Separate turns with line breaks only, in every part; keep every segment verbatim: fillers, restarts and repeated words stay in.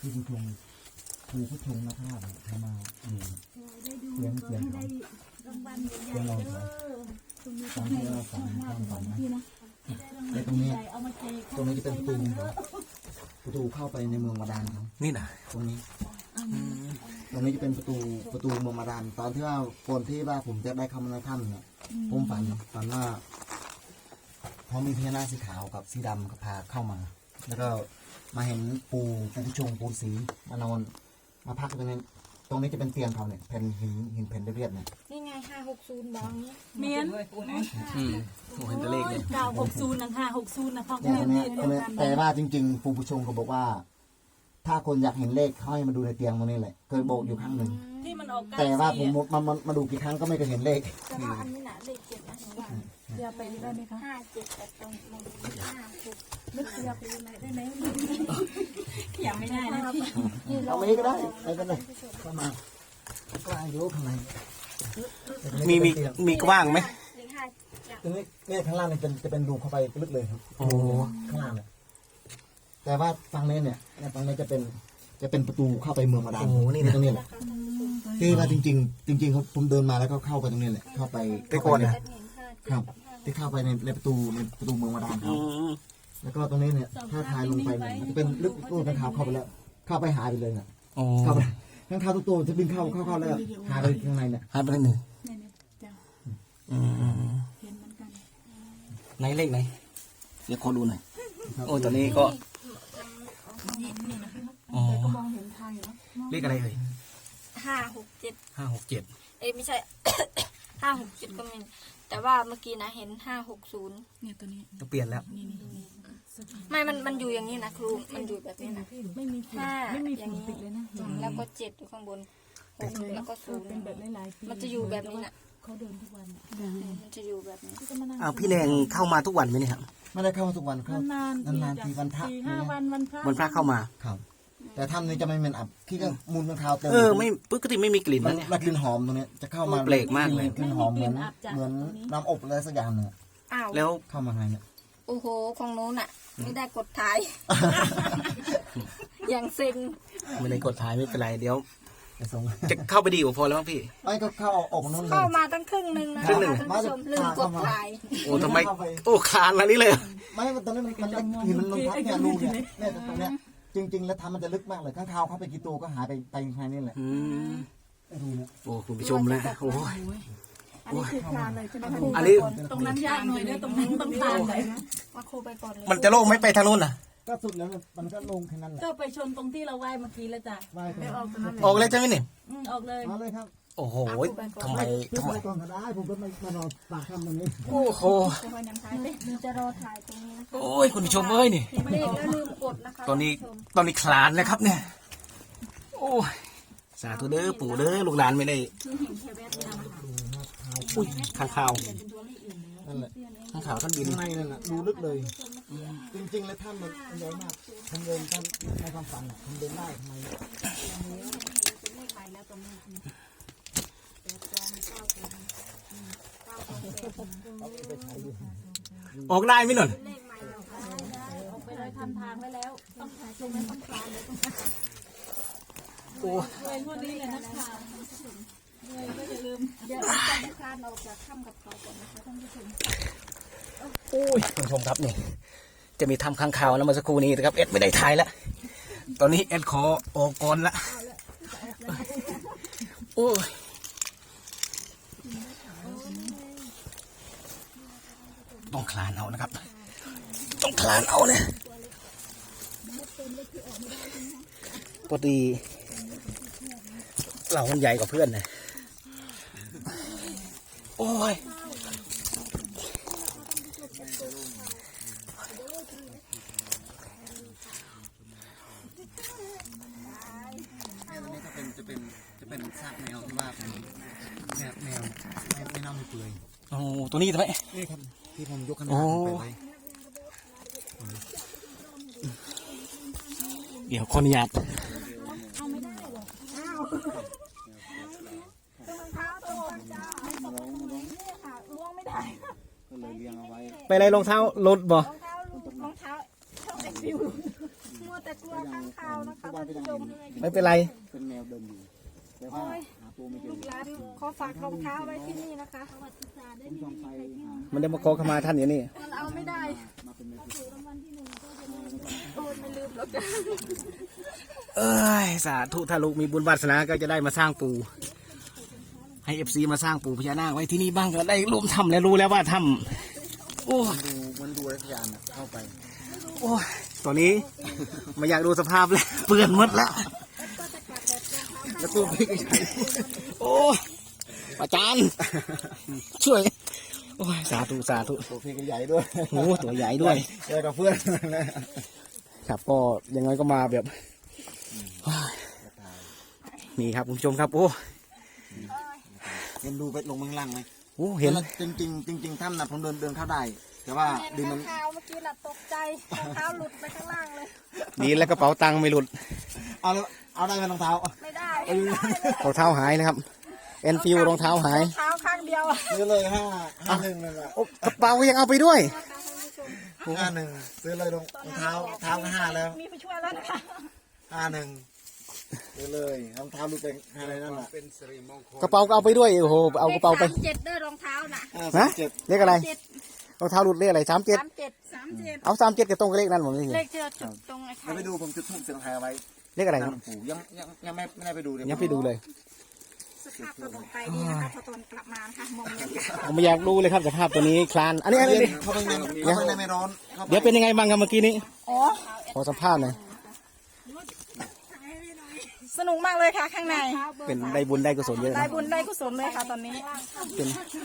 ที่ผู้ชงครูผู้ชงนะครับทำมาเสียงเสียงของเสียงเราเขาตอนที่เราฝันความฝันนะในตรงนี้ตรงนี้จะเป็นประตูประตูเข้าไปในเมืองบาดาลครับนี่นะตรงนี้ตรงนี้จะเป็นประตูประตูเมืองบาดาลตอนที่ว่าก่อนที่ว่าผมจะได้เข้ามาในถ้ำเนี่ยผมฝันฝันว่าพอมีพญานาคสีขาวกับสีดำก็พาเข้ามาแล้วก็มาเห็นปูปูผู้ชงปูสีมานอนมาพักตรงนี้ตรงนี้จะเป็นเตียงเขาเนี่ยแผ่นหินหินแผ่นเรียบๆเนี่ย
นี่ไงห้าหกศูนย์บางเนี่ย
เมียน
อืมเห็นตัวเลขเลย
เก้าหกศูนย์นะค่ะหกศูนย์นะพ่อ
เนี่ยตรงนี้ตรงนี้แต่ว่าจริงๆปูผู้ชงเขาบอกว่า ถ้าคนอยากเห็นเลขเขาให้มาดูในเตียงตรงนี้แหละเคยบอกอยู่ครั้งหนึ่ง
ที่มันออก
แต่ว่าผมมามามาดูกี่ครั้งก็ไม่เคยเห็นเลข
แต่ว่าอันนี้น่ะเลขเจ็ดนะหนูว่า
เดี๋ยวไปได้ไหมคะ
ห้าเจ็ดแต่ตรงมองห้าหก
นึกเดียวไปไหนได้ไหมอยากไม่ได้นะพี่
เอาไม่ก็ได้ไปกันเลยเข้ามากลางอยู่ข้างใน
มีมีมีกว้างไหม
เลขห้า
ตรงนี้เนี่ยข้างล่างเนี่ยจะจะเป็นรูเข้าไปลึกเลยครับโอ้ข้างล่างเนี่ยแต่ว่าฝั่งนี้เนี่ยฝั่งนี้จะเป็นจะเป็นประตูเข้าไปเมืองมาดามโอ้นี่ตรงนี้แหละที่ว่าจริงๆจริงๆเขาผมเดินมาแล้วก็เข้าไปตรงนี้แหละเข้าไป
ไปก่อนเนี่ย
ครับที่เข้าไปในในประตูในประตูเมืองมาดามครับแล้วก็ตรงนี้เนี่ยถ้าทายลงไปเนี่ยมันจะเป็นลึกตู้ข้างขาวเข้าไปแล้วเข้าไปหายไปเลยน่ะเข้าไปข้างขาวตัวจะบินเข้าเข้าเข้าแล้วหายไปข้างในเนี่ย
หายไปหนึ่งไหนเลขไหนเดี๋ยวขอดูหน่อยโอ้ตอนนี้ก็อ๋อเลขอะไรเอ่ย
ห้าหกเจ็ด
ห้าหกเจ็ด
เอ้ไม่ใช่ ห้าหกเจ็ดก็มีแต่ว่าเมื่อกี้นะเห็นห้าหกศูนย์
เนี่ยตัวนี้
จะเปลี่ยนแล้ว
ไม่มันมันอยู่อย่างนี้นะครูมันอยู่แบบนี้นะ
ไม่มีห้าไม่มีฝุ่นติดเลยนะ
แล้วก็เจ็ดอยู่ข้างบนหกแล้วก็ศูนย์
เป็นแบบหลายๆ
มันจะอยู่แบบนี้นะ
เขาเดินทุกวัน
มันจะอยู่แบบนี้
อ้าวพี่แดงเข้ามาทุกวันไหมเนี่ยครับ
ไม่ได้เข้ามาทุกวันครับนานนานทีวันพระ
ห้าวันวันพระ
วันพระเข้ามา
ครับแต่ถ้ำนี้จะไม่เหม็นอับที่ก็มูลข้างคาวเต็ม
เออไม่ปกติไม่มีกลิ่น
นะ
เนี่ย
กลิ่นหอมตรงนี้จะเข้ามา
เปลกมากเลย
กลิ่นหอมเหมือนเหมือนน้ำอบอะไรสักอย่างเนี่ย
แล้ว
เข้ามาไงเนี่ย
โอ้โหของโน้นอ่ะไม่ได้กดถ่ายอย่างเซ็ง
ไม่ได้กดถ่ายไม่เป็นไรเดี๋ยวจะเข้าไปดีกว่าพอแล้วมั้งพี่
ไม่ก็เข้าออกนู่นเลย
เข้ามาตั้งครึ่งหนึ่งนะครึ่งหนึ่งลืมกดถ่าย
โอ้ทำไมโอ้คานอะไรนี่เลย
ไม่ตอนนี้มันมันหินมันลงทับเนี่ยรูเนี่ยเนี่ยตรงเนี้ยจริงๆแล้วทำมันจะลึกมากเลยข้างคาวเข้าไปกี่ตัวก็หายไปไปภายนี่แหละ
โอ้คุณผู้ชมนะโอ้ย
อันนี้คือคลานเลยใช่ไหม
อันนี้
ตรงนั้นยากหน่อยเนี่ยตรงนั้นต้องคลานเลย
มาครูไปก่อนเลย
มันจะโล่งไม่ไปทางนู้นน่ะ
ก็สุดแล้วมันก็ลงแค่นั้นแหละ
ก็ไปชนตรงที่เราไหว้เมื่อกี้แล้วจ้ะ
ไป
ออกตรงนั้น
ออกเลยใช่ไหมเนี่ย
ออกเลย
มาเลยครับ
โอ้โหทำไมทำไม
ก่อนก็ได้ผมก็ไม่มานอนปากคำตรงนี้
โอ้โห
มีจะรอถ่ายตรงนี้นะคะ
โอ้ยคุณผู้ชมเอ้ยนี่
ไม่ได้ลืมกดนะคะ
ตอนนี้ตอนนี้คลานนะครับเนี่ยโอ้ยสาธุเด้อปู่เด้อลูกหลานไม่ได้อุ้ยข้างข่าว
นั่นแหละ
ข้างข่าวท่านบิน
ในนั่นแหละดูลึกเลยจริงๆแล้วท่านมันใหญ่มากทำเดินท่านในความฝันทำเดินได้ทำไม
ออกได้ไหมหน่อย
ออกไปเลยทำทางไว้แล้วต้องถ่ายตรงนั้นต้องคลานเลย
โอ้
ยพวกนี้เลยนะคะเลยก็อย่าลืม
อย่าลืมต้องคลานออกจากถ้ำกับเขาก่อนนะคะท่านผู้ชม
โอ้ยคุณผู้ชมครับนี่จะมีทำข้างข่าวแล้วมาสักครู่นี้นะครับเอ็ดไม่ได้ถ่ายแล้วตอนนี้เอ็ดขอออกก่อนละโอ้ยต้องคลานเอานะครับต้องคลานเอาเนี่ยปกติเราคนใหญ่กว่าเพื่อนนะโอ้ย
จะเป็นจะเป็นซากแมวที่ว่าเป็นแมวแมวไม่เน่าไม่เปื่อย
โอ้ตัวนี้ทำไม
นี่ครับที่ผมยกขนาดไปไว้
เดี๋ยวคนหยาด
เอาไม่ได้หรออ้าวรองเท้าตัวจ้าไม่ตกตรงนี้ค่ะล่วงไม่ได้
ก็เลยเลี้ยงเอาไว้
ไปอะไรรองเท้าหลุดบ่รอง
เท้ารองเท้าช่องเอ็กซ์วิวมัวแต่กลัวข้างข่าวนะคะท่านผู้ชม
ไม่เป็นไร
เป็นแมวเดินอยู่แต่ว่าหาปูไม่เจ
ลู
อก
หลานขอฝากรองเท้าไว้ที่นี่นะคะ
ผมส่องไฟหา
มันได้มาขอขมาท่านอย่างนี้
มันเอาไม่ได้
มาเป็นแมว
โอ้ยไม่ลืมหรอกจ้ะ
เอ้ยสาธุถ้าลูกมีบุญวาสนาก็จะได้มาสร้างปูให้เอฟซีมาสร้างปูพญานาคไว้ที่นี่บ้างก็ได้ร่วมทำแล้วรู้แล้วว่าทำโอ้
ดูมันดูรัชยานอะเข้าไป
โอ้ยตอนนี้ไม่อยากดูสภาพแล้วเปื้อนหมดแล้ว
แล้วตัวพี่ก็ใหญ่
โอ้ยอาจารย์ช่วย โอ้ยสาธุสาธุ
ตัวพี่ก็ใหญ่ด้วย
โอ้ตัวใหญ่ด้วย
เจอกับเพื่อนนะครับ
ก็ยังไงก็มาแบบนี่ครับคุณผู้ชมครับโอ้
เห็นดูไปลงเมืองล่างไหม
โหเห็น
จริงจริงๆจริงๆถ้ำนะผมเดินเดินเข้าได้ แต่ว่าดินมัน
ข้างข่าวเมื่อกี้น่ะตกใจรองเท้าหลุดไปข้างล่างเลย
ดีแล้วกระเป๋าตังค์ไม่หลุด
เอาแล้วเอาได้ไหมรองเท้า
ไม่ได้
รองเท้าหายนะครับเอ็นฟิวรองเท้าหาย
รองเท้าข้างเดียว
ซื้อเลยห้าห้าหนึ่งเลยอะ
โอ้กระเป๋ายังเอาไปด้วย
ห้าหนึ่งซื้อเลยรองรองเท้ารองเท้าก็ห้าแล้ว
มีผู้ช่วยแล้วนะคะ
ห้าหนึ่งซื้อเลยรองเท้าดูเป็นอะไรนั่นแหละ
กระเป๋าก็เอาไปด้วยโอ้โหเอากระเป๋าไป
สามเจ็ดเด้อรองเท้าน่ะ
ห้า
ฮะ
สิบเจ็ด
เลขอะไร
เจ็ด
รองเท้าหลุดเลขอะไรสามเจ็ด
สามเจ็ดสามเจ็ด
เอาสามเจ็ดกับตรงกับเลขนั้นผมนี่
เลขเจอจุดตรงไอ้
เดี๋
ไข่
ยวไปดูผมจุดทูบเสียงไทายเอาไว้
เลขอะไรครับ
น้ำปูยังยังยังไม่ไม่ได้ไปดูเลย
ยังไปดูเลย
สภาพตอนออกไปนี่นะคะพอตอนกลับมานะคะมองบรรยากาศ
ผมไม่อยากดูเลยครับสภาพตัวนี้คลานอันนี้อันนี้
เข้าไปในเข้าไปในไม่ร้อนข้าไ
เดี๋ยวเป็นยังไงบ้างครับเมื่อกี้นี้
อ๋อ
ขอสัมภาษณ์หน่อย
สนุกมากเลยค่ะข้างใน
เป็นได้บุญได้กุศลเยอะ
ได้
นะ
บุญได้กุศลเลยค่ะตอนนี้
เป็น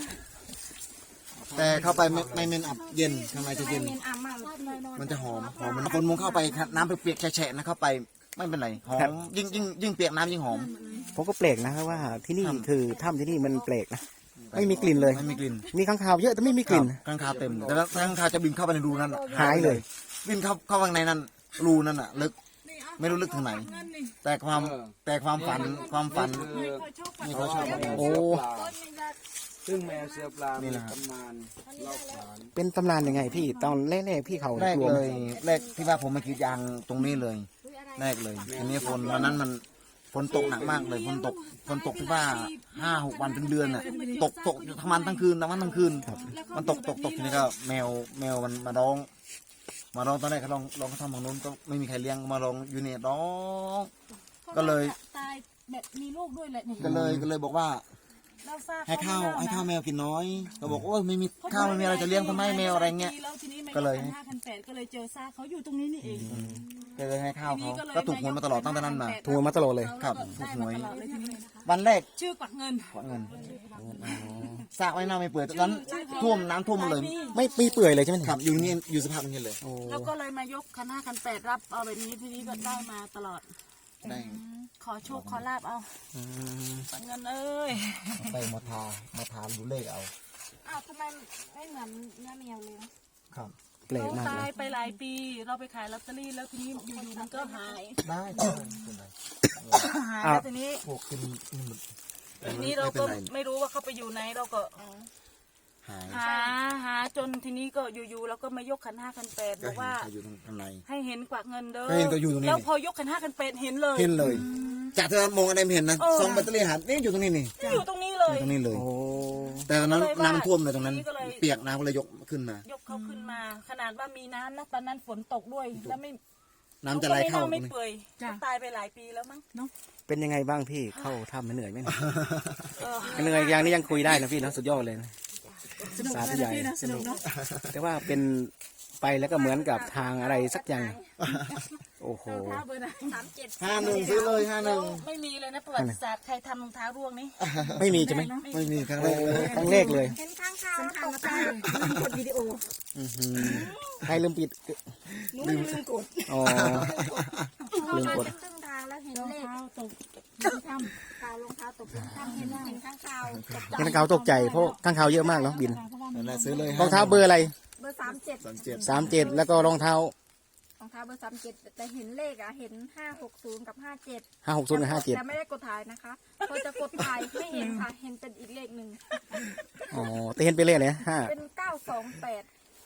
แต่เข้าไปไม่ไม่เมนอับเย็นข้างในจะเย็น
เมนอ่ำมากเลย
มันจะหอมหอมมันคนมุงเข้าไปครับน้ำเปียกๆแฉะๆนะเข้าไปไม่เป็นไรหอมยิ่งยิ่งยิ่งเปียกน้ำยิ่งหอม
ผมก็แปลกนะครับว่าที่นี่คือถ้ำที่นี่มันแปลกนะไม่มีกลิ่นเลย
ไม่มีกลิ่น
มีข้างคาวเยอะแต่ไม่มีกลิ่น
ข้างคาวเต็มแต่ว่าข้างคาวจะบินเข้าไปในรูนั่นน่ะ
หายเลย
บินเข้าเข้าข้างในนั้นรูนั่นน่ะลึกไม่รู้ลึกถึงไหน แต่ความแต่ความฝันความฝันนี่เขาชอบ
โอ้
ซึ่งแมวเสือปลา
นี่
มี
นะฮะ
ตำนานเล่าขาน
เป็นตำนานยังไงพี่ตอนแรกๆพี่เขา
แรก
กลัว
เล
ไหม
ยแรกที่ว่าผมมากรีดยางตรงนี้เลยแรกเลยทีนี้ฝนวันนั้นมันฝนตกหนักมากเลยฝนตกฝนตกที่ว่าห้าหกวันเป็นเดือนอ่ะตกตกทั้งวันทั้งคืนทั้งวันทั้งคืนมันตกตกตกทีนี้ก็แมวแมวมันมาร้อง มาร้องตอนแรกเขาลองลองเขาทำฝั่งนู้นก็ไม่มีใครเลี้ยงมาร้องอยู่เนี่ยร้องก็เลย
ตายแบบมีลูกด้วยแหละนี่
ก็เลยก็เลยบอกว่า
เราทราบ
ให้ข้าวให้ข้าวแมวกินน้อยก็บอกโอ้ยไม่มีข้าวไม่มีอะไรจะเลี้ยงทำไมแมวอะไรเงี้ย
แล้วทีนี้มัน
ก็เลย
ห้าพันแปดก็เลยเจอซากเขาอยู่ตรงนี้นี่เอง
ก็เลยให้ข้าวเขาก็ถูกหวยมาตลอดตั้งแต่นั้นมา
ถูกมาตลอดเลย
ครับถูกหวย
ตลอดเลยทีนี้
วันแรก
ชื่อกวักเงิน
ขอเงินสระไว้น้ำไม่เปื่อยตอนนั้นท่วมน้ำท่วมหมดเลย
ไม่ปีเปื่อยเลยใช่ไหม
ครับอยู่นี่อยู่สภาพอย่างนี้เลย
โอ้
แล้วก็เลยมายกคันห้าคันแปดรับเอาแบบนี้ทีนี้ก็ได้มาตลอด
ได้
ขอโชคขอลาบเอา
อืม
กวักเงินเอ้ย
ไปมาทามาทาดูเลขเอา
อ้าวทำไมไม่เหมือนเนื้อแมวเลย
ครับ
แปลก
เขา
มาก
ตา
เลย ย
ไปหลายปี เราไปขายลอตเตอรี่แล้วทีนี้อยู่ๆมันก็หาย
ได้ได้เป็นไร
หายแล้วทีนี้
พวกกินนี่มัน
ทีนี้เราก็ไม่รู้ว่าเขาไปอยู่ไหนเราก็
หาย
หาหาจนทีนี้ก็อยู่ๆเราก็มายกขันห้าขันแปดบอกว่า
อยู่ข้างใน
ให้เห็นกวักเงินเด้อ
ให้เห็นก็อยู่ตรงนี้
แล้วพอยกขันห้าขันแปดเห็นเลย
เห็นเลย จากที่เรามองอะไรไม่เห็นนะ
เออ
ซองแบตเตอรี่หันนี่อยู่ตรงนี้นี่
อยู่ตรงนี้เล
อย ยู่ตรงนี้เลย
โอ้
แต่ตอนนั้น
ก็เลยว่า
น้ำท่วมเลยตรงนั้น
ทีนี้ก็เลย
เปียกน้ำก็เลยยกขึ้นมา
ยกเขาขึ้นมา ขนาดว่ามีน้ำนะตอนนั้นฝนตกด้วยแล้วไม่
น้ำจะไหลเข้า
ก็ไม่
ตรง
น่าไม่
นี้
เปื่อยตายไปหลายปีแล้วมั้ง
เป็นยังไงบ้างพี่เข้าถ้ำเหนื่อยไหมเนี่ย
เออ
เหนื่อยอย่างนี้ยังคุยได้นะพี่นะสุดยอดเลยนะสาธุใหญ่สนุกแต่ว่าเป็นไปแล้วก็เหมือนกับทางอะไรสักอย่างโอ้โห
สามเจ็ด
ห้าหนึ่งซื้อเลยห้าหนึ่ง
ไม่มีเลยนะประวัติศาสตร์ใครทำรองเท้าร่วงนี่
ไม่มีใช่ไหม
ไม่มีครั้งแร
โอ้
กเลย
ครั้งแรกเลย
เห็นข้างข่าวแล้วตกใจกดวิดีโอ
อื้อหือใครลืมปิด
ลืมลืมกด
อ๋อ ลืมกด
เป็นครึ่งทางแล้วเห็นเลข
ตก
ข่าวรองเท้าตกเป็นข้างเห็นเห็นข้างข่าวตกใจ
ข้างคาวตกใจเพราะข้างคาวเยอะมากเนาะบิน
นั่นแหละซื้อเลย
รองเท้าเบอร์อะไร
เบอร์สามเจ็ด
สามเจ็ด
สามเจ็ดแล้วก็รองเท้าร
องเท้าเบอร์สามเจ็ดแต่เห็นเลขอะเห็นห้าหกศูนย์กับห้าเจ็ด
ห้าหกศูนย์กับห้าเจ็ด
แต่ไม่ได้กดถ่ายนะคะพอจะกดถ่ายไม่เห็นค่ะเห็นเป็นอีกเลขหนึ่ง
อ๋อแต่เห็นเป็นเลขอะไรนะห้า
เป็นเก้าสองแปด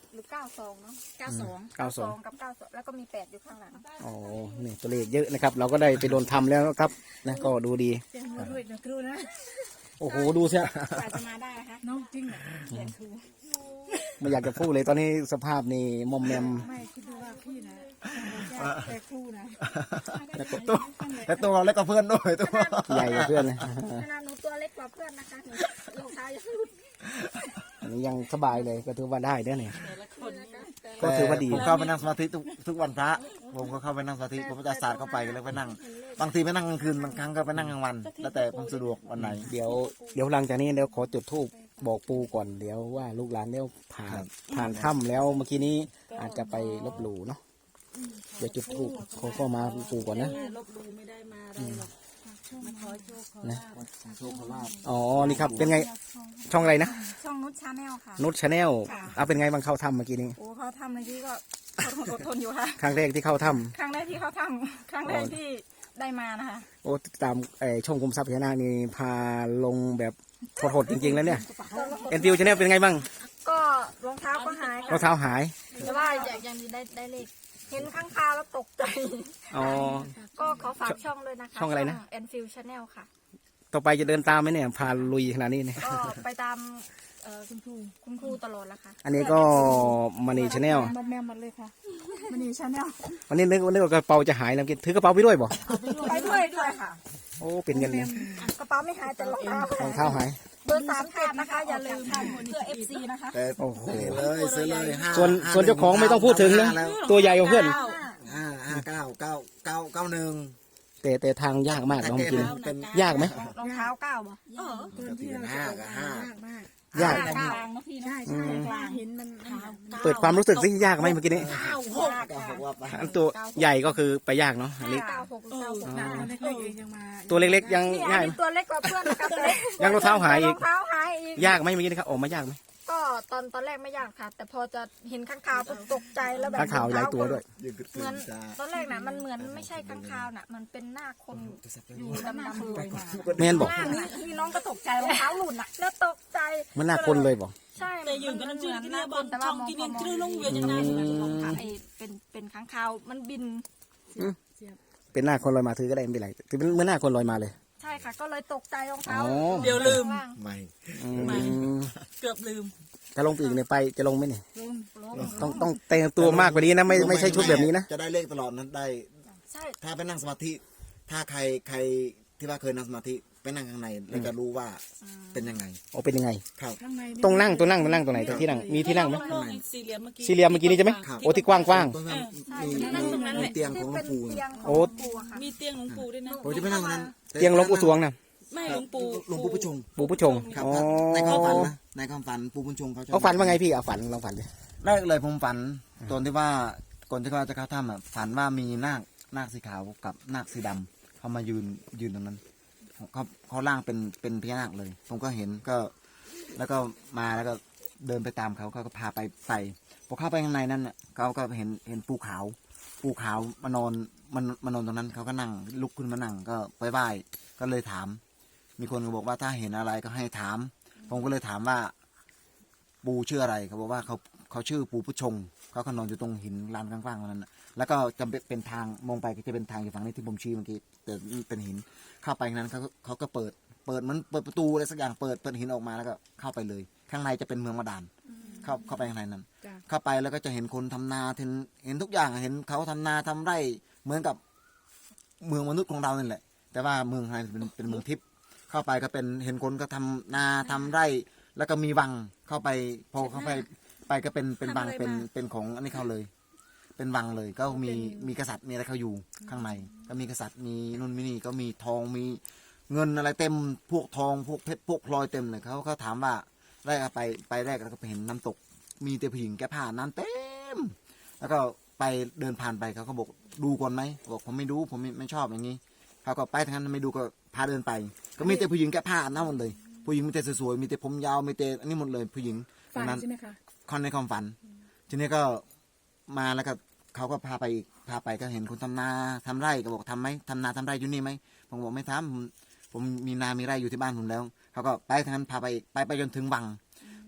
หรือเก้าสองเนาะ
เก้าสอง
เก้าสอง
กับเก้าสองแล้วก็มีแปดอยู่ข้างหลัง
อ๋อนี่ตัวเลขเยอะนะครับ เราก็ได้ไปโดนทำแล้วนะครับนะก็ดูดี
เจ้ามือด้วยนะครูนะ
โอ้โหดูสิ
กว่าจะมาได้นะคะ
น้องจริงเหรอ
ไม่อยากจะพูดเลยตอนนี้สภาพนี่มอมแมม
ไม่คิดดูว่าพี่นะแต่ครูนะ
แล้วตัวแล้วตัวเราเล็กกว่าเพื่อนด้วยตัวใหญ่กว่าเพื่อนเลย
ขนาดหนูตัวเล็กกว่าเพื่อนนะคะหนูรองเท้ายังหลุด
อันนี้ยังสบายเลยก็ถือว่าได้เด้อเนี่ย
แต่ละคนนี่
ก็ถือว่าดี
ผมเข้าไปนั่งสมาธิทุกทุกวันพระผมก็เข้าไปนั่งสมาธิผมจะสาดเข้าไปแล้วไปนั่งบางทีไปนั่งกลางคืนบางครั้งก็ไปนั่งกลางวัน แล้วแต่ผมสะดวกวันไหน
เดี๋ยวเดี๋ยวหลังจากนี้เดี๋ยวขอจุดธูปบอกปูก่อนเดี๋ยวว่าลูกหลานเดี๋ยวผ่านผ่านถ้ำแล้วเมื่อกี้นี้อาจจะไปลบหลู่เนาะเดี๋ยวจุดธูปขอเข้ามาปูก่อนนะ
ลบลูไม่ได้มาอะไรหรอกมาขอโชคขอ
นะ
โชคลาภ
อ๋อนี่ครับเป็นไงช่องอะไรนะ
ช่องนุชชาแนลค่ะ
นุชชาแนลเอาเป็นไงบางเข้าถ้ำเมื่อกี้นี้
โอ้เขาทำในที่ก็อดทนอดทนอยู่ค่ะ
ครั้งแรกที่เข้าถ้
ครั้งแรกที่เขาทำครั้งแรกที่ได้มานะคะ
ำโอ้ตามไอช่องคุมทรัพย์พญานาคนี่พาลงแบบโหดๆจริงๆแล้วเนี่ยเอ็นฟิวชาแนลเป็นไงบ้าง
ก็รองเท้าก็หาย
รอ
ค่ะ
งเท้าหาย
แต่ว่าอยากยังมีได้ได้เลขเห็นข้างคาวแล้วตกใจ
อ๋อ
ก็ขอฝากช่องด้วยนะคะ
ช่องอะไรนะ
แอนฟิลชาแนลค่ะ
ต่อไปจะเดินตามไหมเนี่ยพาลุยขนาดนี้เนี่ย
ก็ไปตามเอ่อคุณครูคุณครูตลอดแล้วค่ะ
อันนี้ก็มานีชาแนล
มาแมวหมดเลยค่ะมันนี่ชาแนล
วันนี้นึกว่านึกว่ากระเป๋าจะหายแล้วกินถือกระเป๋าไปด้วยบ่
ไปด้วยด้วยค่ะ
โอ้เป็นเงินเลย
กระเป๋าไม่หายแต่รองเท้าร
องเท้าหาย
เบอร์สามเจ็ดนะคะ อย่าลืมเพื่อเอฟซีนะคะ
แต่
โอ้โห
เลยซื้อเลยห้า
ส่วนส่วนเจ้าของไม่ต้องพูดถึงนะตัวใหญ่กว่าเพื่อน
ห้าห้าเก้าเก้าเก้าเก้าหนึ่ง
แต่แต่ทางยากมากน้องกิน
เป็น
ยากไหม
รองเท้าเก้าบ่
ก็ตีเป็นห้ากับห้า
ยาก
กลางนะพี่นะใช่ใช่กลางเห็นมัน
เปิดความรู้สึกสิยากไหมเมื่อกี้นี้
ก็บอกว่าไป
อันตัวใหญ่ก็คือไปยากเนาะอันนี้
เก้าหกหรือเก้าหก
หนาเล็กๆเองยังมา
ตัวเล็กๆยัง
นี่อัน
ง่าย
นี้ตัวเล็กกว่าเพื่อนนะคะแต่
ยังรองเท้าหายอีก
รองเท้าหายอีก
ยากไหมเมื่อกี้นี้ครับออกมายากไหม
ก็ตอนตอนแรกไม่ยากค่ะ แต่พอจะเห็นข้างคาวปุ๊บตกใจแล้วแบบ
ข้างขาวหลายตัวด้วย
ยืนกึด
เหมือน
จ้า
ตอนแรกน่ะมันเหมือนไม่ใช่ข้างคาวน่ะ มันเป็นหน้าคนอยู่ดำๆเลยค่ะ
แม่นบอก
หน้านี่นี่น้องก็ตกใจรองเท้าหลุดน่ะแล้วตกใจ
มันน่าคนเลยบอก
ใช่
แต่ยืนกันนั่นชื่อกันเนี่ยบอล
แต่
ช่
ว่า
อง
มอง
กิน
พอมอง
คลื่นลงเวียนยังไง
ไอ้เป็นเป็นข้างคาวมันบิน
เป็นหน้าคนลอยมาถือก็ได้ไม่เป็นไรถือเป็นเหมือนหน้าคนลอยมาเลย
ใช่ค่ะ ก็เลยตกใจรองเท้า
อ๋อ
เดี๋ยวลืม
ไม่
อืม
เกือบลืม
ถ้าลงไปอีกเนี่ยไปจะลงไหมเนี่ย
ลืม
ต้องต้องแต่งตัวมากกว่านี้นะไม่ไม่ใช่ชุดแบบนี้นะ
จะได้เลขตลอดนั้นได้
ใช่
ถ้าไปนั่งสมาธิ ถ้าใครใครที่ว่าเคยนั่งสมาธิไปนั่งข้างในแล้วจะรู้ว่าเป็นยังไง
โอ้เป็นยังไง
ครับ
ข้างใน
ต้องนั่งตัวนั่งตัวนั่งตัวไหนตัวที่นั่งมีที่นั่งไหม
โล่งๆสี่เหลี่ยมเมื่อกี้
สี่เหลี่ยมเมื่อกี้นี้ใช่ไหม
ครับ
โอ้ที่กว้างกว้าง
ตรงนั้น
ใช่
มี
ที่นั่งตรงนั้น
มี
แหละ
เตียงของหลว
เป็
ง
น
ปู่
เตียงข
โอ้
องหลวงปู่อะค่ะ
มีเตียงหลวงปู่ด้วยนะ
ผมจะไปนั่งตรงนั้น
เตียงหลวงปู่สวงนะ
ไม่หลวงปู่
หลวงปู่ผู้ชง
ปู่ผู้ชง
ครับ
อ๋อ
ในความฝันนะในความฝันปู่ผู้ชงเขาจะ
เขาฝันว่าไงพี่เอาฝันลองฝันดิ
แรกเลยผมฝันตอนที่ว่าก่อนที่ว่าจะเข้าถ้ำอ่ะฝันว่ามีนาคนาคสีขาวกับนาคสีดำเขามายืนยืนตรงนั้นเขาเขาล่างเป็นเป็นพญานาคเลย ผมก็เห็นก็ แล้วก็มาแล้วก็เดินไปตามเขาเขาก็พาไปไปพอเข้าไปข้างในนั้นน่ะเขาก็เห็นเห็นปูขาวปูขาวมานอนมันมานอนตรงนั้นเขาก็นั่งลุกขึ้นมานั่งก็ไปไหว้ก็เลยถาม มีคนก็บอกว่าถ้าเห็นอะไรก็ให้ถาม ผมก็เลยถามว่า ปูชื่ออะไรเขาบอกว่าเขาเขาชื่อปูผู้ชงเขาก็นอนอยู่ตรงหินลานกว้างๆตรงนั้นน่ะแล้วก็จะเป็นทางมองไปก็จะเป็นทางอยู่ฝั่งนี้ที่ผมชี้เมื่อกี้แต่เป็นหินเข้าไปนั้นเขาเขาก็เปิดเปิดเหมันเปิดประตูอะไรสักอย่างเปิดเปิดหินออกมาแล้วก็เข้าไปเลย ข้างในจะเป็นเมืองบาดาลเข้าเข้าไปข้างในนั้น เข้าไปแล้วก็จะเห็นคนทำนาเห็นเห็นทุกอย่างเห็นเขาทำนาทำไร่เหมือนกับเมืองมนุษย์ของเรานี่แหละ แต่ว่าเมืองไทยเป็นเป็นเมืองทิพย์เข้าไปก็เป็นเห็นคนก็ทำนาทำไร่ แล้วก็มีวังเข้าไปพอเข้าไปไปก็เป็นเป็นวังเป็นเป็นของอันนี้เขาเลย เป็นวังเลย ก็มีมีกษัตริย์มีอะไรเขาอยู่ข้างใน ก็มีกษัตริย์มีนู่นมีนี่ก็มีทองมีเงินอะไรเต็มพวกทองพวกเพชรพวกพลอยเต็มเลยเขาเขาถามว่าแรกไปไปแรกแล้วก็ไปเห็นน้ำตก มีแต่ผู้หญิงแก้ผ้าน้ำเต็ม แล้วก็ไปเดินผ่านไปเขาก็บอกดูก่อนไหมบอกผมไม่ดูผมไม่ไม่ชอบอย่างนี้เขาก็ไปทางนั้นไม่ดูก็พาเดินไป ก็มีแต่ผู้หญิงแก้ผ้าอาบน้ำหมดเลย ผู้หญิงมีแต่สวยๆมีแต่ผมยาวมีแต่อันนี้หมดเลยผู้หญิง
ฝัน
นั้น
ใช่ไหมคะ
คอนในความฝัน ทีนี้ก็มาแล้วก็เขาก็พาไปอีกพาไปก็เห็นคนทำนาทำไร่ก็บอกทำไหมทำนาทำไร่อยู่นี่ไหมผมบอกไม่ทำผมผมมีนามีไร่อยู่ที่บ้านผมแล้วเขาก็ไปทางนั้นพาไปอีกไปไปจนถึงวัง พ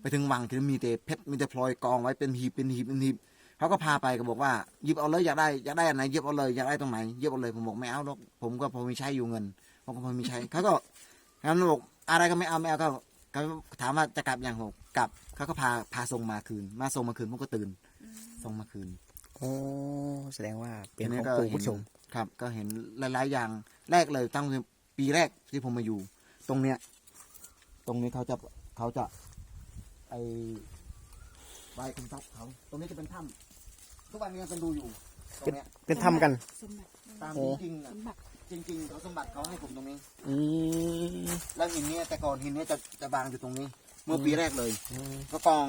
ไปถึงวังที่มีแต่เพชรมีแต่พลอยกองไว้เป็นหีบเป็นหีบเป็นหีบเขาก็พาไปก็บอกว่าหยิบเอาเลยอยากได้อยากได้อันไหนหยิบเอาเลยอยากได้ตรงไหนหยิบเอาเลยผมบอกไม่เอาหรอกผมก็พอมีใช้อยู่เงินผมก็พอมีใช้เขาก็งั้นบอกอะไรก็ไม่เอาไม่เอาก็เขาถามว่าจะกลับยังผมกลับเขาก็พาพาส่งมาคืนมาส่งมาคืนผมก็ตื่นส่งมาคืน
โอ้แสดงว่าเป็น
ที
ของ
ก็
ปู่
เห็น
ผู้ชม
ครับ ก็เห็นหลายๆอย่างแรกเลยตั้งแต่ปีแรกที่ผมมาอยู่ ตรงเนี้ย ตรงนี้เขาจะเขาจะไอใบคุณทรัพย์เขา ตรงนี้จะเป็นถ้ำทุกวันนี้ยังเป็นดูอยู่ตรงเนี้ย
เป็นทำกัน
ตาม
โอ้
จริงๆน่ะจริงๆเขาสมบัติเขาให้ผมตรงนี้
อืม
แล้วหินเนี้ยแต่ก่อนหินเนี้ยจะจะบางอยู่ตรงนี้ เมื่อปีแรกเลย
อืม
ก็กอง